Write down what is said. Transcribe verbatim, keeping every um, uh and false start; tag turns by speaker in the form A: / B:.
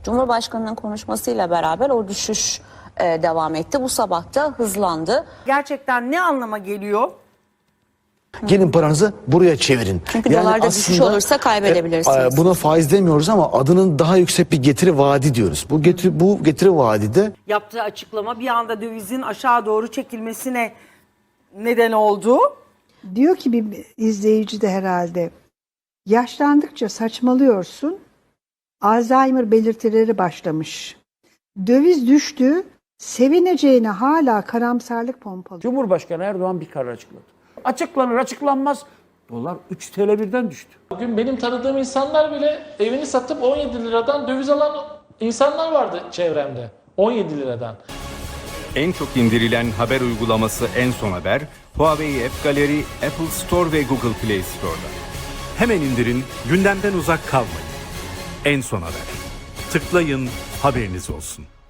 A: Cumhurbaşkanı'nın konuşmasıyla beraber o düşüş e, devam etti. Bu sabah da hızlandı.
B: Gerçekten ne anlama geliyor?
C: Gelin paranızı buraya çevirin.
A: Çünkü dolarda düşüş olursa kaybedebilirsiniz.
C: E, buna faiz demiyoruz ama adının daha yüksek bir getiri vaadi diyoruz. Bu getiri, bu getiri vaadide
B: Yaptığı açıklama bir anda dövizin aşağı doğru çekilmesine neden oldu.
D: Diyor ki bir izleyici de herhalde, yaşlandıkça saçmalıyorsun, Alzheimer belirtileri başlamış. Döviz düştü, sevineceğine hala karamsarlık pompalıyor.
E: Cumhurbaşkanı Erdoğan bir karar açıkladı. Açıklanır açıklanmaz dolar üç T L birden düştü.
F: Bugün benim tanıdığım insanlar bile evini satıp on yedi liradan döviz alan insanlar vardı çevremde. on yedi liradan.
G: En çok indirilen haber uygulaması En Son Haber, Huawei App Gallery, Apple Store ve Google Play Store'da.
H: Hemen indirin, gündemden uzak kalmayın. En Son Haber. Tıklayın, haberiniz olsun.